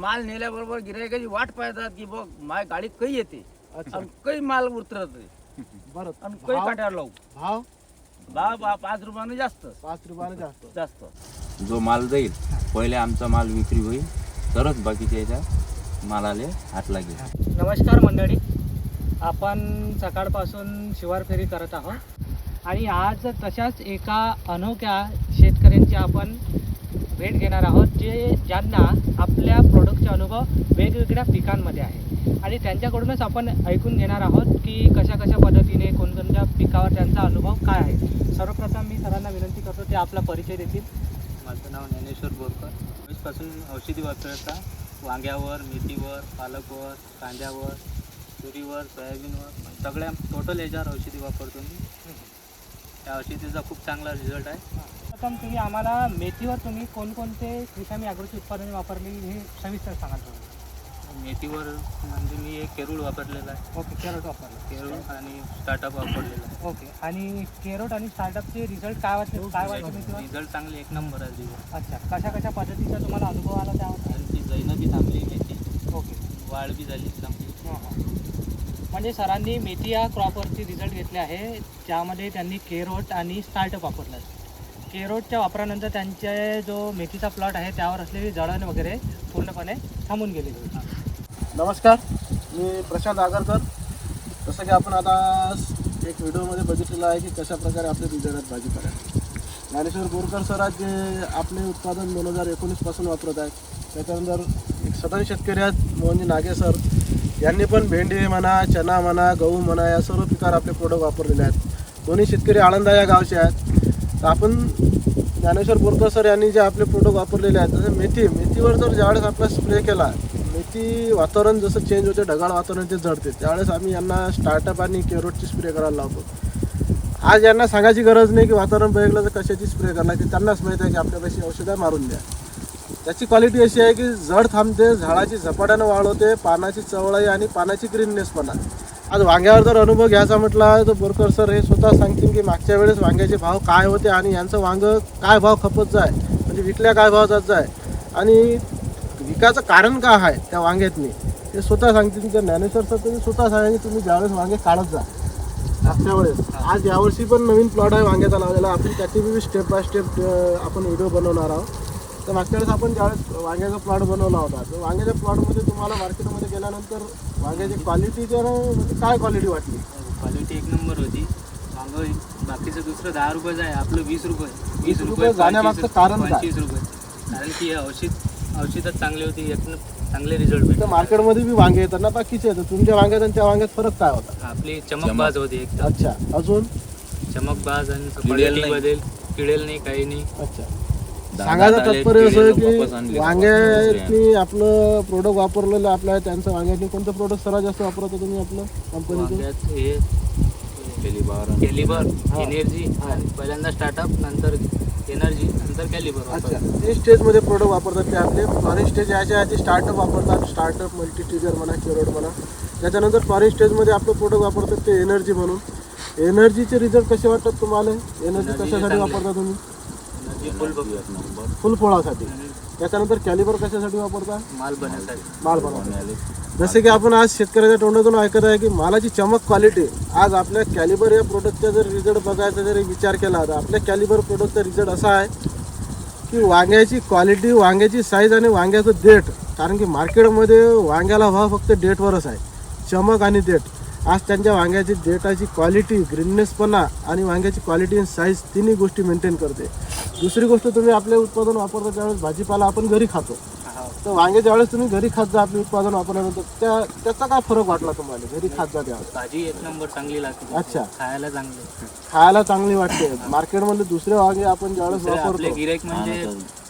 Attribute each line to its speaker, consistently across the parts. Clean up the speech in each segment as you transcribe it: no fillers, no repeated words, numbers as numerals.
Speaker 1: माल नेल्याबरोबर गिरायकाची वाट पाहतात की बघ माझ्या गाडीत काही येते
Speaker 2: अच्छा
Speaker 1: आणि काही माल उतरत
Speaker 2: बरं
Speaker 1: आणि काही
Speaker 2: भाव
Speaker 1: काट्यावर लावू
Speaker 2: भाव
Speaker 1: भाव 5 रुपयाने जास्त
Speaker 2: 5 रुपयाने जास्त
Speaker 1: जास्त
Speaker 3: जो माल जाईल पहिले आमचा माल विक्री होईल तरच बाकीच्या याच्या मालाले हात लागेल.
Speaker 4: नमस्कार मंडळी, आपण सकाळपासून शिवार फेरी करत आहोत आणि आज तशाच एका अनोख्या शेतकऱ्यांची आपण भेट घेणार आहोत ज्यांना आपल्या प्रोडक्टचे अनुभव वेगवेगळ्या पिकांमध्ये आहे आणि त्यांच्याकडूनच आपण ऐकून घेणार आहोत की कशा कशा पद्धतीने कोणकोणत्या पिकावर त्यांचा अनुभव काय आहे. सर्वप्रथम मी सरांना विनंती करतो ते आपला परिचय देतील.
Speaker 5: माझं नाव ज्ञानेश्वर बोरकर. वीसपासून औषधी वापरता वांग्यावर, मेथीवर, पालकवर, कांद्यावर, तुरीवर, सोयाबीनवर सगळ्या टोटल याच्यावर औषधी वापरतो मी. त्या औषधीचा खूप चांगला रिझल्ट आहे.
Speaker 4: प्रथम तुम्ही आम्हाला मेथीवर तुम्ही कोणकोणते क्रिशामी ॲग्रोची उत्पादने वापरली हे सविस्तर सांगा तुम्ही.
Speaker 5: मेथीवर म्हणजे मी एक केरूळ वापरलेला आहे.
Speaker 4: ओके, कॅरोट वापरलं.
Speaker 5: केरूळ आणि स्टार्टअप वापरलेला आहे.
Speaker 4: ओके, आणि केरोट आणि स्टार्टअपचे रिझल्ट काय वाटले मेथीवर?
Speaker 5: रिझल्ट चांगले, एक नंबर आहे रिझल्ट.
Speaker 4: अच्छा, कशा कशा पद्धतीचा तुम्हाला अनुभव आला त्यावर?
Speaker 5: आणि ती जैनं बी थांबली मेथी,
Speaker 4: ओके,
Speaker 5: वाढ बी झाली चांगली.
Speaker 4: म्हणजे सरांनी मेथी या क्रॉपवरती रिझल्ट घेतले आहे ज्यामध्ये त्यांनी केरोट आणि स्टार्टअप वापरलं. केरोटच्या वापरानंतर त्यांचे जो मेथीचा प्लॉट आहे त्यावर असलेली जळण वगैरे पूर्णपणे थांबून गेलेली होती.
Speaker 2: नमस्कार, मी प्रशांत आगरकर. जसं की आपण आता एक व्हिडिओमध्ये बघितलेलं आहे की कशा प्रकारे आपले रिझल्ट भाजीपाला ज्ञानेश्वर बोरकर सर आज जे आपले उत्पादन 2019पासून वापरत आहेत. त्याच्यानंतर एक सदन शेतकरी आहेत मोहनजी नागे सर, यांनी पण भेंडी म्हणा, चना म्हणा, गहू म्हणा या सर्व पिकावर आपले प्रोडक्ट वापरलेले आहेत. दोन्ही शेतकरी आळंदा या गावचे आहेत. तर आपण ज्ञानेश्वर बोरकर सर यांनी जे आपले प्रोडक्ट वापरलेले आहेत जसं मेथीवर जर ज्यावेळेस आपला स्प्रे केला, मेथी वातावरण जसं चेंज होते, ढगाळ वातावरण ते जडते, त्यावेळेस आम्ही यांना स्टार्टअप आणि केरोटची स्प्रे करायला लावतो. आज यांना सांगायची गरज नाही की वातावरण बघितलं तर कशाची स्प्रे करणार, की त्यांनाच माहीत आहे की आपल्यापाशी औषधं मारून द्या. त्याची क्वालिटी अशी आहे की जड थांबते, झाडाची झपाट्यानं वाढ होते, पानाची चवळाई आणि पानाची ग्रीननेसपणा. आज वांग्यावर जर अनुभव घ्यायचा म्हटला तर बोरकर सर हे स्वतः सांगतील की मागच्या वेळेस वांग्याचे भाव काय होते आणि यांचं वांगं काय भाव खपत जाय, म्हणजे विकल्या काय भाव जात जाय आणि विकायचं कारण काय आहे त्या वांग्यातनी ते स्वतः सांगतील. तर ज्ञानेश्वर सर तुम्ही स्वतः सांगा की तुम्ही ज्यावेळेस वांगे काढत जा मागच्या वेळेस, आज यावर्षी पण नवीन प्लॉट आहे वांग्याचा लावलेला, आपण त्याची बी स्टेप बाय स्टेप आपण व्हिडिओ बनवणार आहोत. तर मागच्या वेळेस आपण ज्यावेळेस वांग्याचा प्लॉट बनवला होता तर वांग्याच्या प्लॉटमध्ये तुम्हाला मार्केटमध्ये गेल्यानंतर वांग्याची क्वालिटी तर म्हणजे काय क्वालिटी वाटली?
Speaker 5: क्वालिटी एक नंबर होती. वांगं बाकीचं दुसरं 10 रुपयाचं आहे, आपलं 20 रुपये.
Speaker 2: 20 रुपये जाण्यामागचं कारण काय?
Speaker 5: 25 रुपये. कारण की औषधच चांगली होती, एक चांगले रिझल्ट भेटले.
Speaker 2: तर मार्केटमध्ये बी वांगे येतात ना बाकीचे, तर तुमच्या वांग्यात आणि त्या वांग्यात फरक काय होता?
Speaker 5: आपली चमकबाज होती एकदम.
Speaker 2: अच्छा, अजून
Speaker 5: चमकबाज आणि क्वालिटी बदल, किडेल नाही, काही नाही.
Speaker 2: अच्छा, सांगायचं तात्पर्य असं आहे की वांग्यानी आपलं प्रोडक्ट वापरलेलं आपल्या त्यांचं वांग्यानी कोणतं प्रोडक्ट सर्वात जास्त वापरतो तुम्ही आपलं कंपनीचं?
Speaker 5: वांग्यात हे कॅलिबर, एनर्जी आणि पहिल्यांदा स्टार्टअप, नंतर एनर्जी, नंतर कॅलिबर.
Speaker 2: अच्छा, 3 स्टेजमध्ये प्रोडक्ट वापरतात ते आपले. फॉरेन स्टेज याच्या आधी स्टार्टअप वापरतात, स्टार्टअप, मल्टीटिगर म्हणा, केरोट म्हणा. त्याच्यानंतर फॉरेन स्टेजमध्ये आपलं प्रोडक्ट वापरतात ते एनर्जी म्हणून. एनर्जीचे रिझल्ट कसे वाटतात तुम्हाला? एनर्जी कशासाठी वापरता तुम्ही? फुल फळासाठी. त्याच्यानंतर कॅलिबर कशासाठी वापरता?
Speaker 5: माल बनवण्यासाठी.
Speaker 2: माल बनवण्यासाठी. जसे की आपण आज शेतकऱ्याच्या तोंडातून ऐकत आहे की मालाची चमक, क्वालिटी. आज आपल्या कॅलिबर या प्रोडक्टचा जर रिझल्ट बघायचा जरी विचार केला तर आपल्या कॅलिबर प्रोडक्टचा रिझल्ट असा आहे की वांग्याची क्वालिटी, वांग्याची साईज आणि वांग्याचं देठ. कारण की मार्केटमध्ये वांग्याला भाव फक्त देठवरच आहे, चमक आणि देठ. आज त्यांच्या वांग्याची देठाची क्वालिटी, ग्रीननेसपणा आणि वांग्याची क्वालिटी आणि साईज तिन्ही गोष्टी मेंटेन करते. दुसरी गोष्ट, तुम्ही आपले उत्पादन वापरता त्यावेळेस भाजीपाला आपण घरी खातो, तर वांगे ज्यावेळेस तुम्ही घरी खात जा आपले उत्पादन वापरल्यानंतर त्याचा काय फरक वाटला तुम्हाला घरी खात जा त्यावेळेस?
Speaker 5: भाजी एक नंबर चांगली लागते.
Speaker 2: अच्छा,
Speaker 5: खायला
Speaker 2: चांगली वाटते. मार्केटमध्ये दुसरे वांगे आपण ज्यावेळेस वापरतो
Speaker 5: गिराईक म्हणजे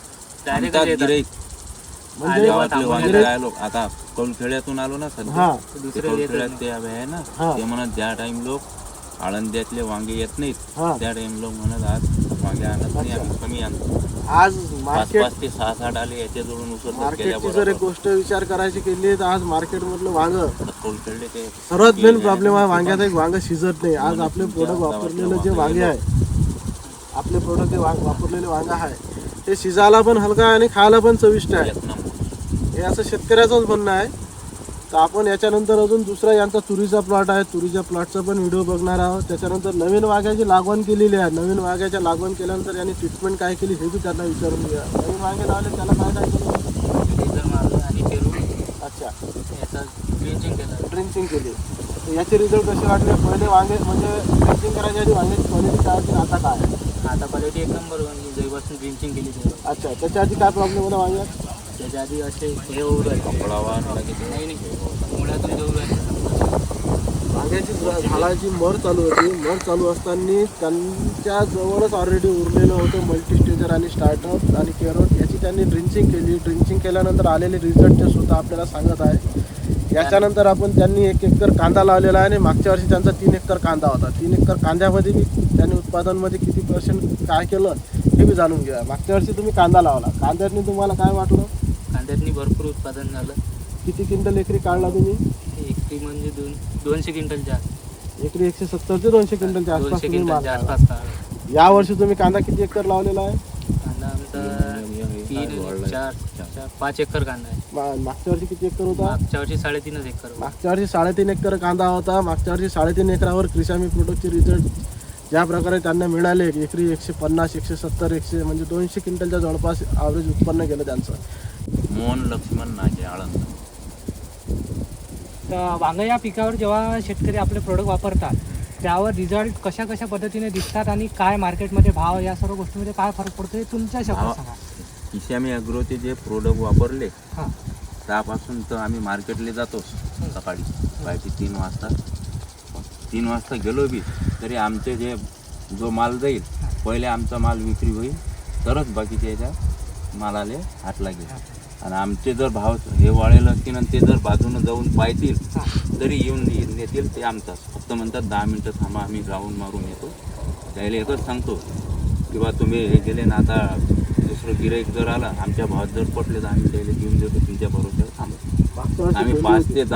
Speaker 3: आता कौलखेड्यातून आलो ना सध्या, कौलखेड्यात ते आहे ना, ते म्हणत ज्या टाइम लोक आळंद्यातले वांगे येत नाहीत त्या टाइम लोक म्हणत आज वांगे आणत नाही, आम्ही कमी आणतो.
Speaker 2: आज मार्केट
Speaker 3: 5 ते 6 आले याच्या जोडून
Speaker 2: मार्केटची जर एक गोष्ट विचार करायची केली तर आज मार्केटमधलं वांग
Speaker 3: कौलखेडले ते
Speaker 2: सर्वात मेन प्रॉब्लेम आहे वांग्याचा, एक वांग शिजत नाही. आज आपले प्रोडक्ट वापरलेले जे वांगे आहे, आपले प्रोडक्ट जे वापरलेले वांग आहे ते शिजायला पण हलका आणि खायला पण चविष्ट आहे. हे असं शेतकऱ्याचंच म्हणणं आहे. तर आपण याच्यानंतर अजून दुसरा यांचा तुरीचा प्लॉट आहे, तुरीच्या प्लॉटचा पण व्हिडिओ बघणार आहोत. त्याच्यानंतर नवीन वाघ्याची लागवण केलेली आहे. नवीन वाघ्याच्या लागवण केल्यानंतर यांनी ट्रीटमेंट काय केली हे बी त्यांना विचारून घ्या. नवीन वाघे लावले त्याला काय केलं?
Speaker 5: लेझर मारलं आणि पेरून
Speaker 2: अच्छा,
Speaker 5: याचा ड्रिंचिंग केलं.
Speaker 2: ड्रिंचिंग केली. तर याचे रिझल्ट कसे वाटले? पहिले वांगे म्हणजे ड्रिंचिंग करायच्या आधी वांग्याची क्वालिटी काय होती, आता काय आहे?
Speaker 5: आता क्वालिटी एक नंबर जेव्हापासून ड्रिंचिंग केली तेव्हा.
Speaker 2: अच्छा, त्याच्या आधी काय प्रॉब्लेम होता वांग्यात?
Speaker 5: त्याच्या आधी असे हे होऊ राहिले. नाही मुळातून घेऊ राहिले.
Speaker 2: वांग्याची झाडाची मर चालू होती. मर चालू असताना त्यांच्या जवळच ऑलरेडी उरलेलं होतं मल्टीस्टेजर आणि स्टार्टअप आणि कॅरोट. याची त्यांनी ड्रिंचिंग केली. ड्रिंचिंग केल्यानंतर आलेले रिझल्ट ते स्वतः आपल्याला सांगत आहे. याच्यानंतर आपण त्यांनी 1 एकर कांदा लावलेला आहे आणि मागच्या वर्षी त्यांचा 3 एकर कांदा होता. 3 एकर कांद्यामध्ये बी त्यांनी उत्पादनमध्ये किती % काय केलं हे बी जाणून घ्या. मागच्या वर्षी तुम्ही कांदा लावला, कांद्यातनी तुम्हाला काय वाटलं?
Speaker 5: कांद्यातनी भरपूर उत्पादन झालं.
Speaker 2: किती क्विंटल एकरी काढला तुम्ही?
Speaker 5: एकरी म्हणजे 200 क्विंटलच्या
Speaker 2: एकरी 170 ते 200 क्विंटलच्या आसपास
Speaker 5: 200
Speaker 2: तुम्ही माल
Speaker 5: क्विंटलच्या
Speaker 2: लावला.
Speaker 5: आसपास काढलं.
Speaker 2: या वर्षी तुम्ही कांदा किती एकर लावलेला आहे?
Speaker 5: कांदा आमचा 5 एकर कांदा आहे.
Speaker 2: मागच्या वर्षी किती एकर होता?
Speaker 5: मागच्या वर्षी 3.5 एकर.
Speaker 2: मागच्या वर्षी 3.5 एकर कांदा होता. मागच्या वर्षी 3.5 एकरावर क्रिशामी प्रोडक्टचे रिझल्ट ज्या प्रकारे त्यांना मिळाले, एकरी 150, 170, 100 म्हणजे 200 क्विंटलच्या जवळपास ॲव्हरेज उत्पन्न गेलं त्यांचं.
Speaker 3: मोहन लक्ष्मण नागे, आळंद.
Speaker 4: तर वांगं या पिकावर जेव्हा शेतकरी आपले प्रोडक्ट वापरतात त्यावर रिझल्ट कशा कशा पद्धतीने दिसतात आणि काय मार्केटमध्ये भाव या सर्व गोष्टीमध्ये काय फरक पडतो हे तुमच्या शब्दात सांगा.
Speaker 3: किशामी ॲग्रोचे जे प्रोडक्ट वापरले
Speaker 4: हां
Speaker 3: त्यापासून तर आम्ही मार्केटला जातोच. सकाळी पाहिजे 3 वाजता. 3 वाजता गेलो बी तरी आमचे जे जो माल जाईल पहिले आमचा माल विक्री होईल तरच बाकीच्या याच्या मालाले हात लागेल. आणि आमचे जर भाव हे वाढेल असतील आणि ते जर बाजूनं जाऊन पाहतील तरी येऊन नेतील ते आमचाच. फक्त म्हणतात 10 मिनटं थांबा, आम्ही राऊंड मारून येतो. त्याला एकच सांगतो की बा तुम्ही हे गेले ना, आता दुसरं गिराईक जर आला आमच्या भावात जर पटले तर आम्ही त्याला घेऊन देतो तुमच्या बरोबर थांबतो. आम्ही 5 ते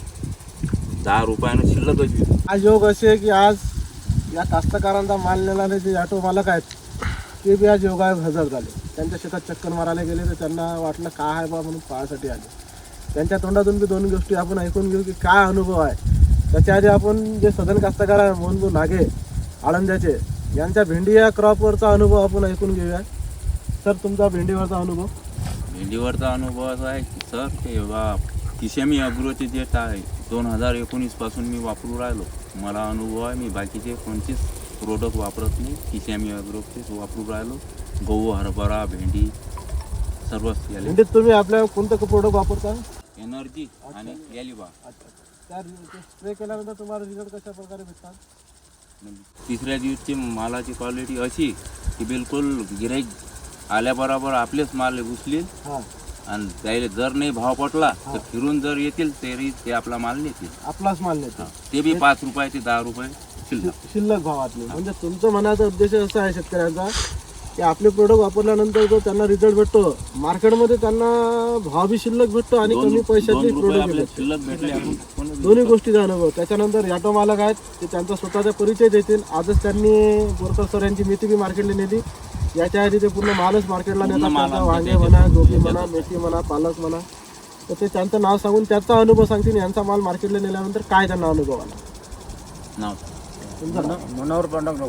Speaker 3: 10 रुपयानं शिल्लकच घेऊ.
Speaker 2: आज योग असे आहे की आज या कास्तकारांचा माल नेणारे जे ऑटो मालक आहेत ते बी आज योगायोग हजर झाले. त्यांच्या शेतात चक्कर मारायला गेले तर त्यांना वाटलं काय आहे बा म्हणून पाहायसाठी आले. त्यांच्या तोंडातून बी 2 गोष्टी आपण ऐकून घेऊ की काय अनुभव आहे. त्याच्या आधी आपण जे सदन कास्तकार आहे मोहनभाऊ नागे आळंद्याचे यांच्या भेंडी या क्रॉपवरचा अनुभव आपण ऐकून घेऊया. सर, तुमचा भेंडीवरचा अनुभव?
Speaker 3: भेंडीवरचा अनुभव असा आहे की सर ते किशामी ॲग्रोचे जे आहे 2019 पासून मी वापरू राहिलो. मला अनुभव आहे. मी बाकीचे कोणतेच प्रोडक्ट वापरत नाही. किशामी ॲग्रोचेच वापरू राहिलो. गहू, हरभरा, भेंडी सर्वच याले.
Speaker 2: भेंडीत तुम्ही आपल्या कोणतं प्रोडक्ट वापरता?
Speaker 3: एनर्जी आणि यालिबा.
Speaker 2: त्या स्प्रे केल्यानंतर तुम्हाला रिझल्ट कशा प्रकारे भेटतात?
Speaker 3: तिसऱ्या दिवशी मालाची क्वालिटी अशी की बिलकुल गिराईक आल्याबरोबर आपलेच माल उचलेल.
Speaker 2: हां,
Speaker 3: आणि त्याला जर नाही भाव पटला तर फिरून जर येतील तरी ते आपला माल नेतील.
Speaker 2: आपलाच माल नेतो.
Speaker 3: ते बी 5 रुपये ते 10 रुपये
Speaker 2: शिल्लक भावातले. म्हणजे तुमचं म्हणायचा उद्देश असा आहे शेतकऱ्यांचा की आपले प्रोडक्ट वापरल्यानंतर जो त्यांना रिझल्ट भेटतो मार्केटमध्ये त्यांना भाव बी शिल्लक भेटतो आणि कमी पैशातले प्रोडक्ट भेटतो.
Speaker 3: शिल्लक भेटले आपण
Speaker 2: दोन्ही गोष्टीचा अनुभव. त्याच्यानंतर ऑटो मालक आहेत ते त्यांचा स्वतःचा परिचय देतील. आजच त्यांनी बोरकर सर यांची मेथी बी मार्केटला नेली. याच्या आधी ते पूर्ण मालच मार्केटला नेतात. त्यांचा वांगे म्हणा, गोबी म्हणा, मेथी म्हणा, पालक म्हणा, तर ते त्यांचं नाव सांगून त्याचा अनुभव सांगतील. यांचा माल मार्केटला नेल्यानंतर काय त्यांना अनुभव आला.
Speaker 3: नाव
Speaker 2: तुमचं नाव?
Speaker 1: मनोहर पांडुरंग.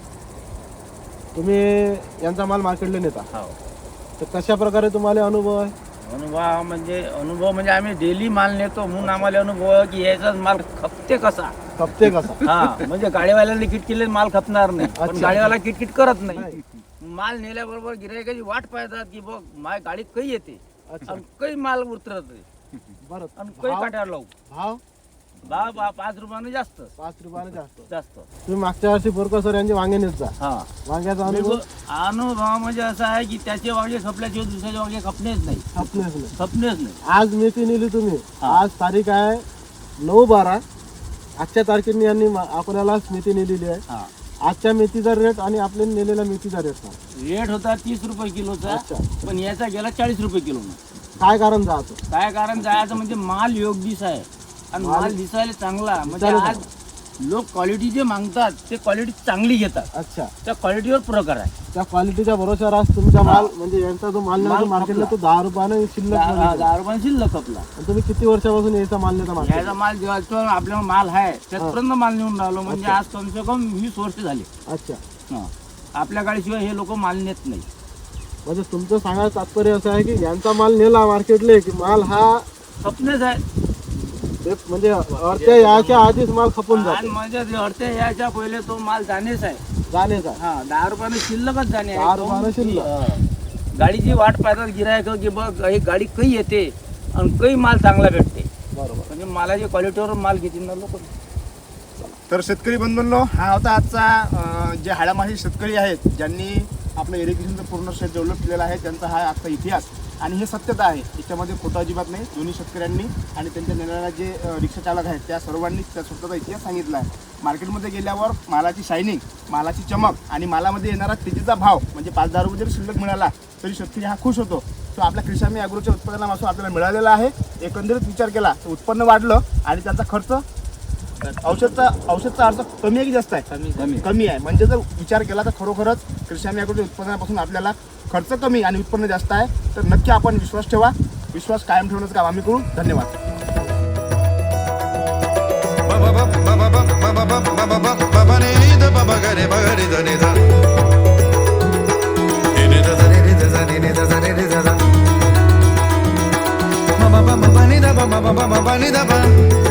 Speaker 2: तुम्ही यांचा माल मार्केटला नेता,
Speaker 1: हो.
Speaker 2: तर कशा प्रकारे तुम्हाला अनुभव आहे?
Speaker 1: अनुभव म्हणजे आम्ही डेली माल नेतो म्हणून आम्हाला अनुभव आहे की याचा माल खपते कसा.
Speaker 2: खपते कसा?
Speaker 1: हा, म्हणजे गाडीवाल्याला किटकिले माल खपणार नाही, पण
Speaker 2: अच्छा.
Speaker 1: गाडीवाला किटकिट करत नाही. माल नेल्याबरोबर गिरायकाची वाट पाहतात की बघ माझ्या गाडीत काही येते
Speaker 2: अच्छा,
Speaker 1: आणि काही माल उतरत नाही
Speaker 2: बरं.
Speaker 1: आणि काही
Speaker 2: भाव?
Speaker 1: काट्यावर लावू.
Speaker 2: भाव
Speaker 1: भाव 5 रुपयाने जास्त
Speaker 2: 5 रुपयाने जास्त.
Speaker 1: जास्त.
Speaker 2: तुम्ही मागच्या वर्षी बोरकर सर यांचे वांगे नेत जा.
Speaker 1: हा,
Speaker 2: वांग्याचा अनुभव?
Speaker 1: अनुभव म्हणजे असा आहे की त्याचे वांगे खपल्याचे दुसऱ्याचे वांगे खपणेच नाही.
Speaker 2: खपलेच नाही.
Speaker 1: खपणेच नाही.
Speaker 2: आज मेथी नेली तुम्ही.
Speaker 1: हा.
Speaker 2: आज तारीख आहे 9/12. आजच्या तारखेने यांनी आपल्याला मेथी नेलेली आहे.
Speaker 1: हा,
Speaker 2: आजच्या मेथीचा रेट आणि आपल्या नेलेल्या मेथीचा रेट सांग.
Speaker 1: रेट होता 30 रुपये किलोचा,
Speaker 2: अच्छा.
Speaker 1: पण याचा गेला 40 रुपये किलो.
Speaker 2: काय कारण जायचं?
Speaker 1: काय कारण जायचं म्हणजे माल योग्य दिस आहे आणि
Speaker 2: माल
Speaker 1: माल दिसायला चांगला. म्हणजे
Speaker 2: दिसायला
Speaker 1: आज लोक क्वालिटी जे मागतात ते क्वालिटी चांगली घेतात.
Speaker 2: अच्छा,
Speaker 1: त्या क्वालिटीवर प्रकार आहे.
Speaker 2: त्या क्वालिटीच्या भरोश्यावर आज तुमचा माल म्हणजे यांचा जो माल नेला मार्केटला तो 10 रुपयाने शिल्लक मध्ये गेला.
Speaker 1: 10 रुपये शिल्लक आपला.
Speaker 2: आणि तुम्ही किती वर्षापासून याचा माल नेता मार्केट?
Speaker 1: याचा माल जेव्हा आपल्याला माल आहे त्यापर्यंत माल नेऊन राहिलो म्हणजे आज कम से कम 20 वर्ष झाले.
Speaker 2: अच्छा,
Speaker 1: हा. आपल्या गाडीशिवाय हे लोक माल नेत नाही.
Speaker 2: म्हणजे तुमचं सांगायचं तात्पर्य असं आहे की यांचा माल नेला मार्केटले की माल हा
Speaker 1: स्वप्नच आहे.
Speaker 2: ते म्हणजे अडत्या याच्या आधीच माल खपून
Speaker 1: आणि
Speaker 2: जातो.
Speaker 1: म्हणजे अडते याच्या पहिले तो माल जाणेच आहे.
Speaker 2: जाणेच आहे.
Speaker 1: हा 10 रुपयाने शिल्लकच जाणे
Speaker 2: 10 रुपयानं शिल्लक.
Speaker 1: गाडीची वाट पाहतात गिरायक की बघ एक गाडी काही येते आणि काही माल चांगला भेटते.
Speaker 2: बरोबर.
Speaker 1: म्हणजे मालाच्या क्वालिटीवर माल घेतील ना लोक.
Speaker 6: तर शेतकरी बंधूंनो, हा होता आजचा जे हाडामाशी शेतकरी आहेत ज्यांनी आपलं इरिगेशनचं पूर्ण शेत डेव्हलप केलेलं आहे, त्यांचा हा आजचा इतिहास आणि हे सत्यता आहे. याच्यामध्ये खोटं अजिबात नाही. दोन्ही शेतकऱ्यांनी आणि त्यांच्या नेणाऱ्या जे रिक्षा चालक आहेत त्या सर्वांनी त्या स्वतःचा इतिहास सांगितला आहे. मार्केटमध्ये गेल्यावर मालाची शायनिंग, मालाची चमक आणि मालामध्ये येणारा तेजीचा भाव म्हणजे 5-10 रुपये जरी शिल्लक मिळाला तरी शेतकरी हा खुश होतो. तो आपल्या कृषी ॲग्रोच्या उत्पादनापासून आपल्याला मिळालेला आहे. एकंदरीत विचार केला तर उत्पन्न वाढलं आणि त्यांचा खर्च औषधचा अर्थ कमी आहे की जास्त आहे? कमी आहे. म्हणजे जर विचार केला तर खरोखरच कृषी ॲग्रोच्या उत्पादनापासून आपल्याला खर्च कमी आणि उत्पन्न जास्त आहे. तर नक्की आपण विश्वास ठेवा. विश्वास कायम ठेवण्याचं काम आम्ही करू. धन्यवाद.
Speaker 7: Ba ba ba ba ba ni da ba